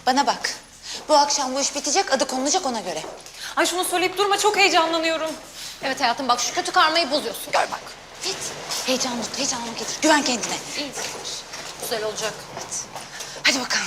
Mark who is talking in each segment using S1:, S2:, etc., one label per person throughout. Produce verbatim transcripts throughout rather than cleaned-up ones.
S1: Bana bak. Bu akşam bu iş bitecek, adı konulacak ona göre.
S2: Ay şunu söyleyip durma, çok heyecanlanıyorum.
S1: Evet hayatım, bak şu kötü karmayı bozuyorsun. Gör bak. Git. Heyecanlı, heyecanlı getir. Güven kendine.
S2: İyi, güzel olacak.
S1: Evet. Hadi bakalım.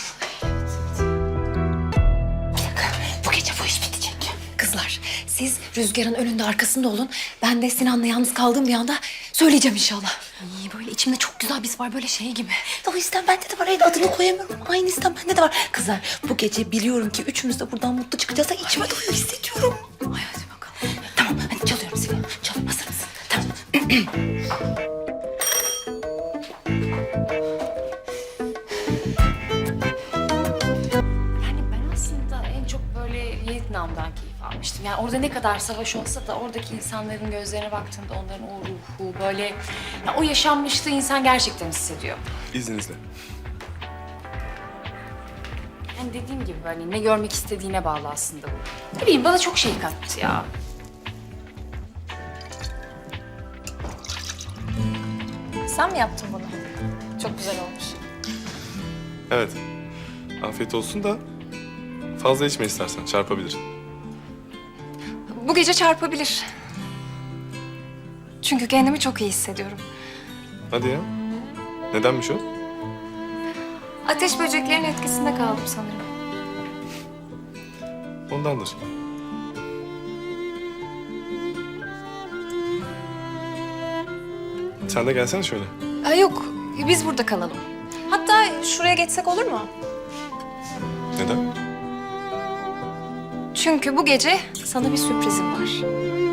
S1: Bir dakika. Bu gece bu iş bitecek.
S2: Kızlar, siz Rüzgar'ın önünde arkasında olun. Ben de Sinan'la yalnız kaldığım bir anda söyleyeceğim inşallah. İyi, böyle içimde çok güzel bir his var, böyle şey gibi.
S1: O istem bende de var. Hayır, adını koyamıyorum. Aynı istem bende de var. Kızlar, bu gece biliyorum ki üçümüz de buradan mutlu çıkacağız. Da içime doyuyor hissediyorum.
S2: Ay hadi bakalım.
S1: Tamam, hadi çalıyorum seni. Çalıyorum, hazır mısın? Tamam.
S2: Yani ben aslında en çok böyle Vietnam'dan keyif almıştım. Yani orada ne kadar savaş olsa da oradaki insanların gözlerine baktığımda onların o ruhu böyle... Ya o yaşanmışlığı insan gerçekten hissediyor.
S3: İzninizle.
S2: Yani dediğim gibi böyle ne görmek istediğine bağlı aslında bu. Ne bileyim, bana çok şey kattı ya. Sen mi yaptın bunu? Çok güzel olmuş.
S3: Evet. Afiyet olsun da fazla içme istersen, çarpabilir.
S4: Bu gece çarpabilir. Çünkü kendimi çok iyi hissediyorum.
S3: Hadi ya. Nedenmiş o?
S4: Ateş böceklerin etkisinde kaldım sanırım.
S3: Ondandır. Sen de gelsene şöyle.
S4: Aa, yok, biz burada kalalım. Hatta şuraya geçsek olur mu?
S3: Neden?
S4: Çünkü bu gece sana bir sürprizim var.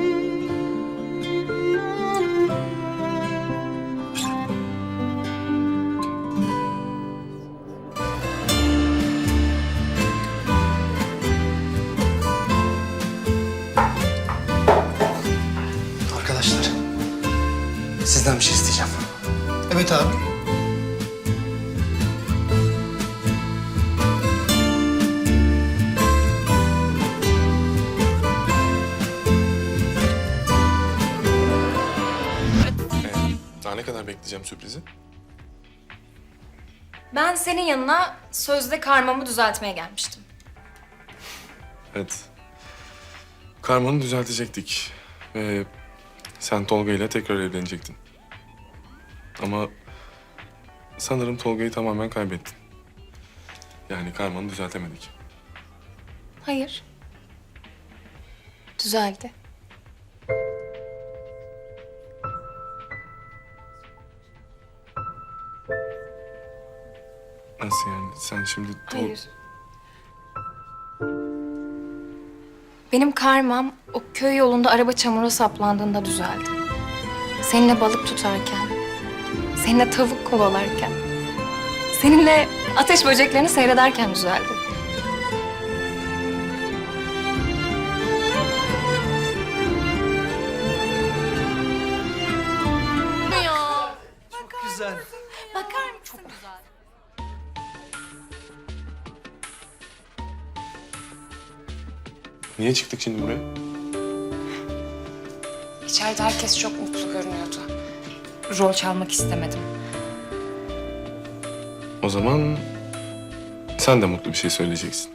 S5: Arkadaşlar, sizden bir şey isteyeceğim. Evet abi.
S3: Ee, daha ne kadar bekleyeceğim sürprizi?
S4: Ben senin yanına sözde karmamı düzeltmeye gelmiştim.
S3: Evet. Karmanı düzeltecektik. Ve sen Tolga ile tekrar evlenecektin. Ama sanırım Tolga'yı tamamen kaybettin. Yani karmanı düzeltemedik.
S4: Hayır. Düzeldi.
S3: Nasıl yani? Sen şimdi... Tol-
S4: Hayır. Benim karmam o köy yolunda araba çamura saplandığında düzeldi. Seninle balık tutarken, seninle tavuk kovalarken, seninle ateş böceklerini seyrederken düzeldi.
S5: Güzel.
S4: Bakar mısın? Çok güzel.
S3: Niye çıktık şimdi buraya?
S2: İçeride herkes çok mutlu görünüyordu. Rol çalmak istemedim.
S3: O zaman sen de mutlu bir şey söyleyeceksin.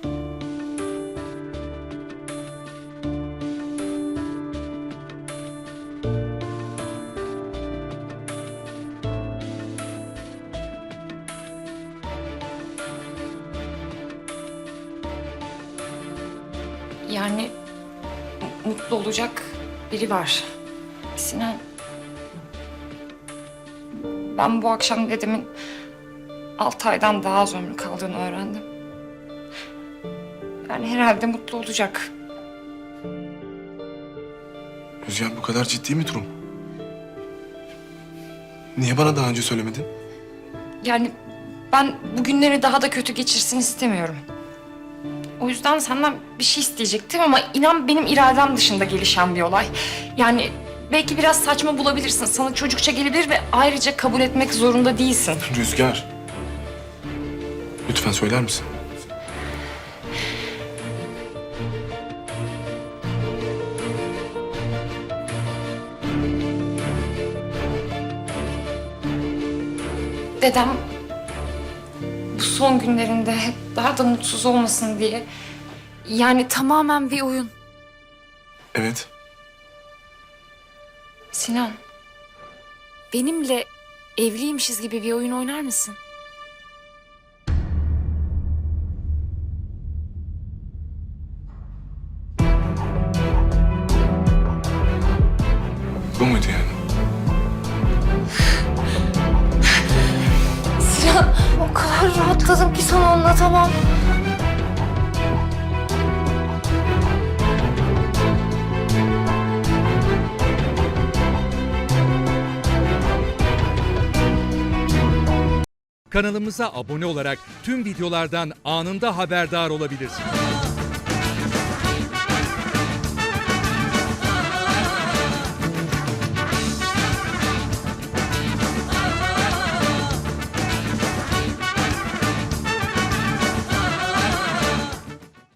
S2: Yani mu- mutlu olacak biri var. Sinan. Ben bu akşam dedemin altı aydan daha az ömrü kaldığını öğrendim. Yani herhalde mutlu olacak.
S3: Rüzgar, bu kadar ciddi mi durum? Niye bana daha önce söylemedin?
S2: Yani ben bugünleri daha da kötü geçirsin istemiyorum. O yüzden senden bir şey isteyecektim ama inan benim iradem dışında gelişen bir olay. Yani belki biraz saçma bulabilirsin, sana çocukça gelebilir ve ayrıca kabul etmek zorunda değilsin.
S3: Rüzgar. Lütfen söyler misin?
S2: Dedem bu son günlerinde hep daha da mutsuz olmasın diye. Yani
S6: Tamamen bir oyun.
S3: Evet.
S2: Sinan,
S6: Benimle evliymişiz gibi bir oyun oynar mısın?
S3: Bu muydu yani?
S2: Sinan o kadar rahatladım ki sana anlatamam.
S7: Kanalımıza abone olarak tüm videolardan anında haberdar olabilirsiniz.